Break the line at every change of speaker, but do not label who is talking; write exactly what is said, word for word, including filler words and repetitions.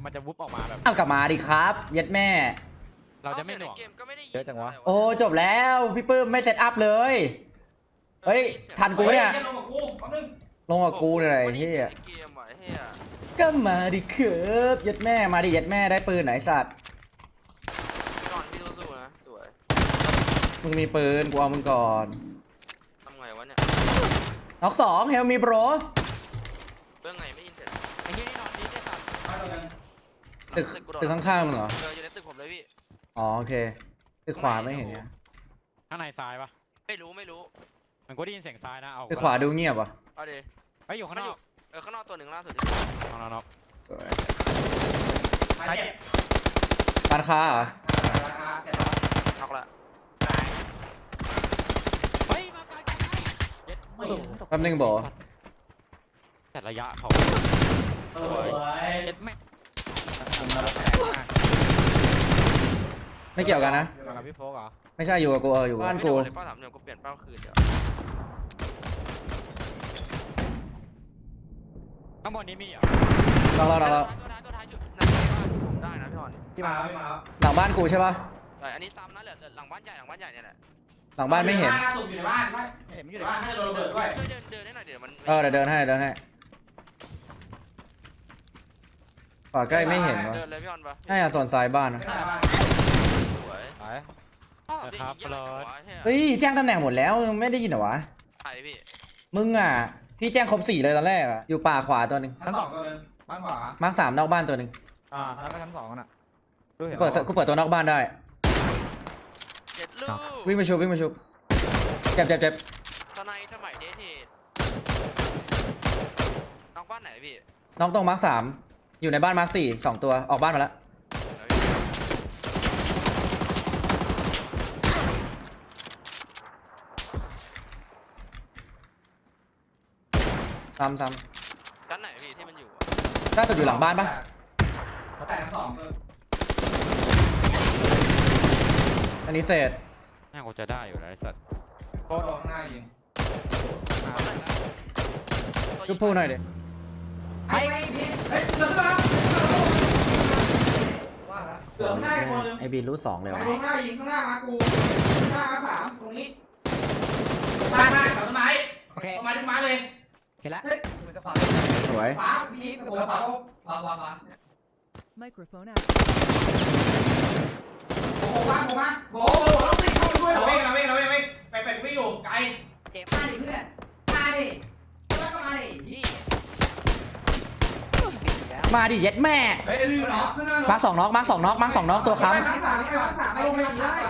มันจะวุบออกมาแบบ
เอากลับมาดิครับเย็ดแม่
เราจะไม่หน่วง
เกมก็ไม่ได้
เยอะจังวะ
โอ้จบแล้วพี่ปื้มไม่เซตอัพเลยเฮ้ยทันกูเนี่ย
ลงกับกูแป๊บนึง
ลงกับกูเลยเฮีย
เกมว่ะเฮีย
ก็มาดิเคิร์ฟเย็ดแม่มาดิเย็ดแม่ได้ปืนไหนสัตว์
ก่อนพี่สู้ๆนะสวย
มึงมีปืนกูเอามึงก่อน
ทำไงวะเนี่ย
น็อกสองเฮลมีโปร
เรื่องไงไม่ยินเสร็จ
ไอ้ที่นี่นอนดีได้สัตว์
มาตัวนึง
ตึกตึกข้างๆมึงเหรอ
เอออยู่ในตึกผมเลยพี่
อ๋อโอเคตึกขวาไม่เห็นเนี่ย
ข้างในซ้ายปะ
ไม่รู้ไม่รู้
มันก็ได้ยินเสียงซ้ายนะเอา
ตึกขวาดูเงียบว่ะ
เอาดิ
ไอ้อยู่ข้างนอก
เออข้างนอกตัวหนึ่งล่าสุด
ข้างนอก
มาเจ็บ
ร้านค้าเหรอ
น็อกละ
เฮ้ยมาไกลกันเย็ดไม่
แป๊บนึงบอก
แต่ระยะเขา
สวย
เย็ดแม่
ไม่เกี่ยวกันนะ
มากับพี่โฟกเหรอ
ไม่ใช่อยู่กับกูเอออยู่บ้าน
ไม่
กู
โดนเลยเป้าสามเดียวกูเปลี่ยนเป้าคืนเดี๋ยว
ข้างบนนี้มีเหรอ
เราเราเราเรา
ตัวท้ายตัวท้ายจุดนั่นผมได้นะพี่บอล
ที่มาไม่มา
หลังบ้านกูใช่ปะ
แต่อันนี้ซ้ำนะเหลือหลังบ้านใหญ่หลังบ้านใหญ่เนี่ยแหละ
หลังบ้านไม่เห็น
ล่าสุดอยู่ในบ้านไม่
เห็นมันอ
อยู่ ยู่ใน
ใน
บ้านให้โดนระเบิดด้วย
ช่วยเดินเดินได้หน่อยเดี๋ยวมัน
เออเดี๋ยวเดินให้เดินให้ขวาใกล้ไม่เห็นวะ
เดินเลยพี่บอลปะ
น่าจะส่วนซ้ายบ้านนะ
ไม่ได้บ้าน
สวย
ไป
ป้าสามเดียวยิงยากจังวะ
เฮ้ยแจ้งตำแหน่งหมดแล้วยังไม่ได้ยินเหรอวะ
ใช่พี่
มึงอ่ะพี่แจ้งครบสี่เลยตอนแรกอ่ะอยู่ป่าขวาตัวหนึ่ง
ชั้นสองตัวนึงบ้านขวา
มาร์คสามนอกบ้านตัวหนึ่ง
อ่าแล้วก็ชั้นสองน่ะ
กูเปิดกูเปิดตัวนอกบ้านได้
เจ็ดลูก
วิ่งไปชุบวิ่งไปชุบเจ็บเจ็บเจ็บ
ตอนในสมัยเดทเทดน้องบ้านไหนพี่
น้องตรงมาร์คสามอยู่ในบ้านมาร์คสี่สองตัวออกบ้านมาแล้วซ้ำซ้
ชั้นไหนพี่ที่มันอยู่
ำน่าจะอยู่หลังบ้านปะ
แต่ชั้นสองคือ
อันนี้เศษ
น่ากูจะได้อยู่แล้วไอ้สัตว์
โคตรข้างหน้ายิง
ชุบพูหน่อยดิ
ไอ้พี่เฮ้ยเสือขึ้นมาว่าละเสือข้างหน้าอีกคนนึง
ไอบีรู้สองเลยวะ
ข้างหน้ายิงข้างหน้ามากูข้างหน้ามาสามตรงนี้บ้านหน้ากับต้นไม้
โอเค
ต้นไม้ต้นไม้เลย
เห็นแล้ว
มันจะขวา
สวย
ขวาพี่โอ้ขวาขวาขวาขวา
Microphone out.
โอ้โหบ้านโอ้บ้านโอ้โหต้องติดเข้าไปด้วยเราเว้งเราเว้งเราเว้งไปไปไม่อยู่ไกล
เจ็บ
มาดิเพื่อนมาดิแล้วก็มาดิพี่
มาดิเย็ดแม่
เฮ้ยดูเนาะ
มาร์คสองน็อกมาร์คสองน็อกมาร์คสองน็อกตัวค้ำ
มาสามมาสามลงไปได้